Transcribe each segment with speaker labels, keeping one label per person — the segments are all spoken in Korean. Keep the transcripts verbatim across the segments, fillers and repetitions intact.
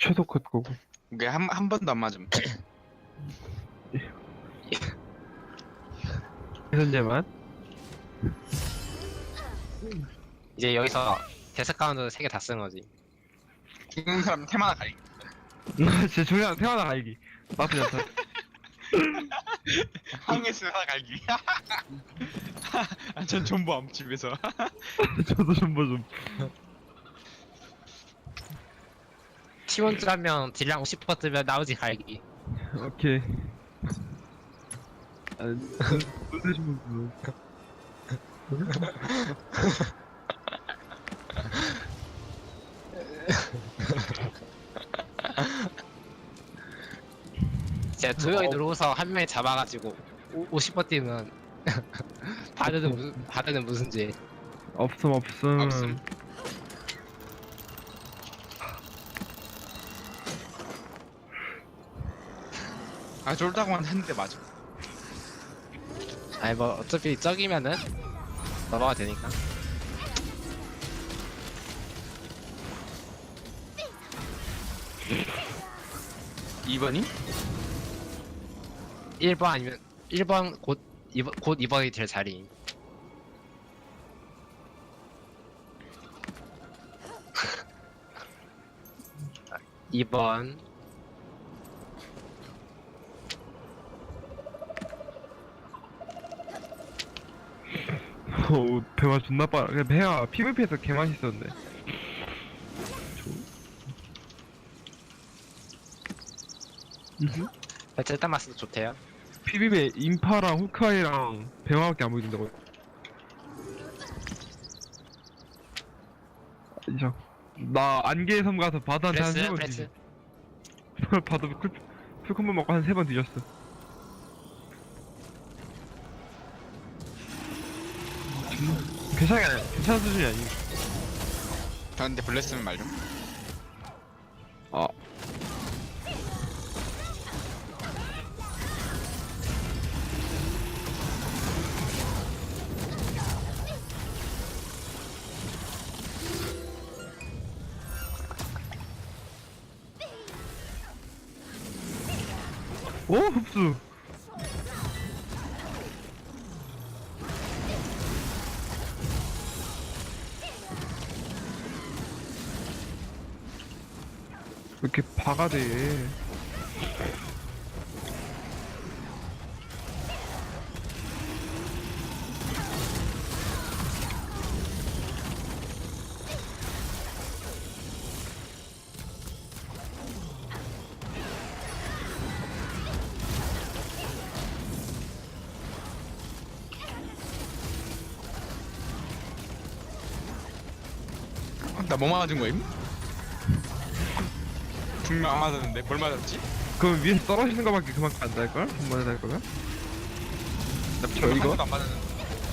Speaker 1: 최소 컷 거고.
Speaker 2: 이게 한, 한 번도 안 맞음.
Speaker 1: 현재만.
Speaker 3: 이제 여기서 데스 카운트 세 개 다 쓰는 거지.
Speaker 2: 죽는 사람 테마나 가리.
Speaker 1: 진짜 중요한 태어나 갈기. 나쁘지 않다.
Speaker 2: 항해스 하나 갈기. 아, 전 존버함 집에서.
Speaker 1: 저도 좀뭐 좀.
Speaker 3: 팀원줄 하면 딜량 오십 퍼센트 뜨면 나오지 갈기.
Speaker 1: 오케이. 아, 놀래주면 뭐.
Speaker 3: 진짜 두 명이 들어오서 한 명이 잡아가지고 오- 오십 퍼센트 뛰면 바드는 무슨 바드는 무슨 죄?
Speaker 1: 없음 없음.
Speaker 2: 없음. 아 쫄다고만 했는데 맞아.
Speaker 3: 아니 뭐 어차피 적이면은 넘어가 되니까.
Speaker 2: 이 번이?
Speaker 3: 일 번 아니면 일 번 곧 이 번 곧 이 번이 될 자리. 이 번
Speaker 1: 오, 대화 존나 빠르. 그냥 배가 피브이피에서 개 맛있었는데.
Speaker 3: 배틀 딱 맞어도 좋대요.
Speaker 1: 피비비에 인파랑 후카이랑 배화밖에 안 보여준다고. 이상. 나 안개의 섬 가서 바다한테 한 세
Speaker 3: 프레스
Speaker 1: 번
Speaker 3: 프레스.
Speaker 1: 뒤졌어. 바다 풀, 풀콤보 먹고 한 세 번 뒤졌어. 괜찮아, 괜찮은 수준이 아니.
Speaker 2: 근데 블레스면 말 좀.
Speaker 1: 아. 오, 흡수. 왜 이렇게 바가 돼?
Speaker 2: 나 뭐 맞은 거임? 분명 안 맞았는데 뭘 맞았지?
Speaker 1: 그럼 위에서 떨어지는 거밖에 그만큼 안 닿을걸? 한 번에 닿을 거면?
Speaker 2: 나
Speaker 1: 저
Speaker 2: 분명
Speaker 1: 이거?
Speaker 2: 한 번도 안 맞았는데.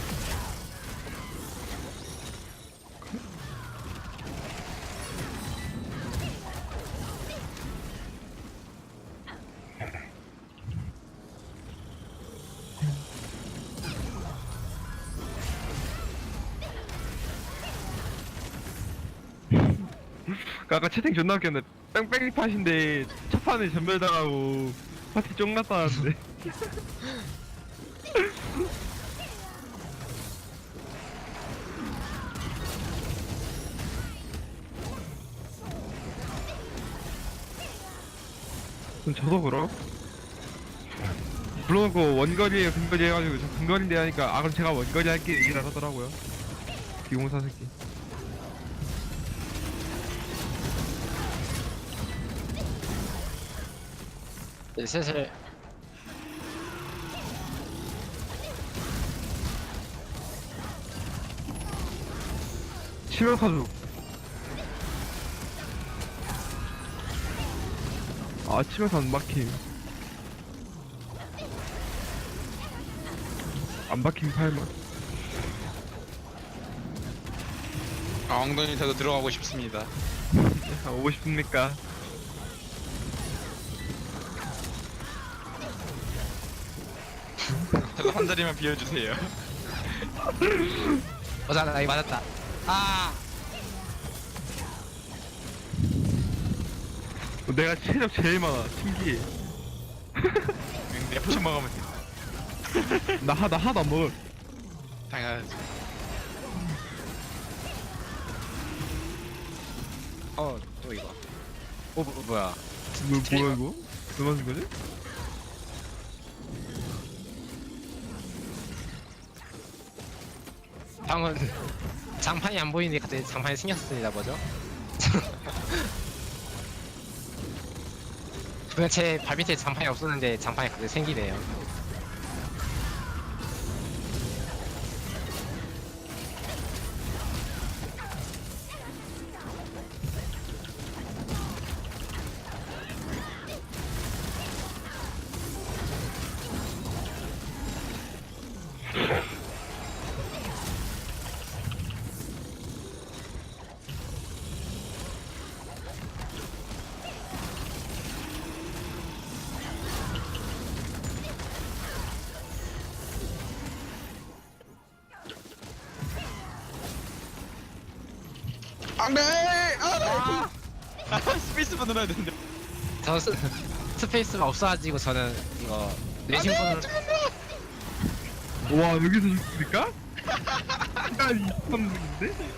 Speaker 1: 그 아까 채팅 존나 웃겼는데 뺑뺑이 팟인데 첫 판에 전멸당하고 파티 쫑났다는데. 그럼 저도 그럼? 물론 그 원거리에 근거리 해가지고 저 근거리인데 하니까 아 그럼 제가 원거리 할게 얘기를 하더라고요. 비공사 새끼.
Speaker 3: 이제 슬슬
Speaker 1: 치명 사주. 아 치명사 안 막힘. 안 박힘 팔만.
Speaker 2: 아, 엉덩이 저도 들어가고 싶습니다.
Speaker 1: 아, 오고 싶습니까?
Speaker 2: 저도 한 자리만 비워주세요.
Speaker 3: 어자 나 이거 맞았다. 아
Speaker 1: 내가 체력 제일 많아. 신기해.
Speaker 2: 내 포션 먹으면 돼.
Speaker 1: 나, 하, 나 하나도 안 먹을.
Speaker 2: 당연하지.
Speaker 3: 어, 또 이거. 어, 뭐, 뭐야.
Speaker 1: 뭐, 뭐야, 이거? 왜 맞은 거지?
Speaker 3: 방은 장판이 안 보이는데 갑자기 장판이 생겼습니다, 뭐죠? 그냥 제 발 밑에 장판이 없었는데 장판이 갑자기 생기네요.
Speaker 2: 안돼. 아, 아, 스페이스만 눌러야 되는데.
Speaker 3: 저 스, 스페이스가 없어가지고 저는 이거 뇌신분을
Speaker 1: 와, 여기서 죽습니까? 시간이 있었는데?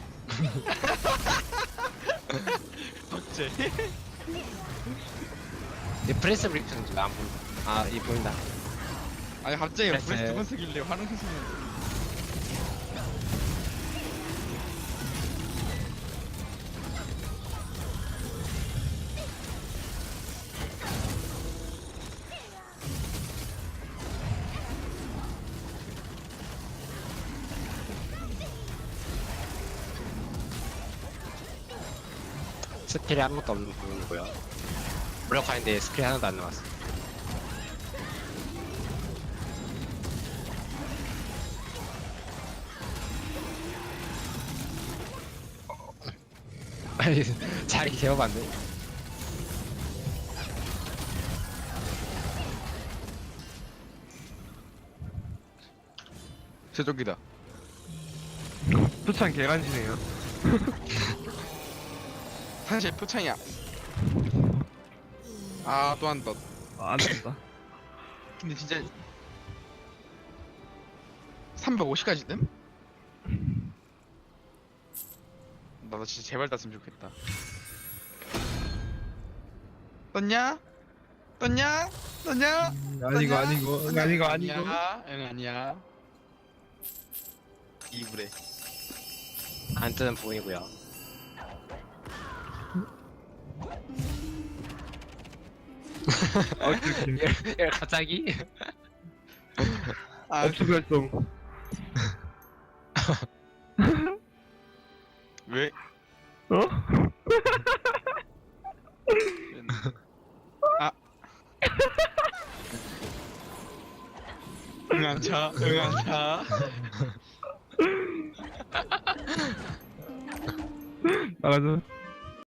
Speaker 2: 어째?
Speaker 3: 내 프레스 브리프는 왜안 보인다. 아, 이 보인다.
Speaker 2: 아니 갑자기
Speaker 3: 그랬어요.
Speaker 2: 브레스 두번 쓰길래 화능수는.
Speaker 3: 스킬이 아무것도 없는 부분이고요. 무력화인데 스킬이 하나도 안 나왔어. 아니, 자리 개업안돼.
Speaker 2: 제조기다.
Speaker 1: 표창 개간지네요.
Speaker 2: 사실 표창이야. 아 또 한 덧.
Speaker 1: 아, 안 된다.
Speaker 2: 근데 진짜 삼백오십까지 뜸? 나도 진짜 제발 땄으면 좋겠다. 떴냐? 떴냐? 떴냐?
Speaker 1: 아니고, 아니고,
Speaker 2: 떴냐?
Speaker 1: 아니고, 아니고.
Speaker 2: 아니야, 응 아니야. 이불에.
Speaker 3: 안 뜨는 부분이고요.
Speaker 1: 어떻게.
Speaker 3: 야, 갑자기?
Speaker 2: 아
Speaker 1: 업수 결정.
Speaker 2: 왜?
Speaker 1: 어?
Speaker 2: 아. 응안차, 응안차.
Speaker 1: 나가자.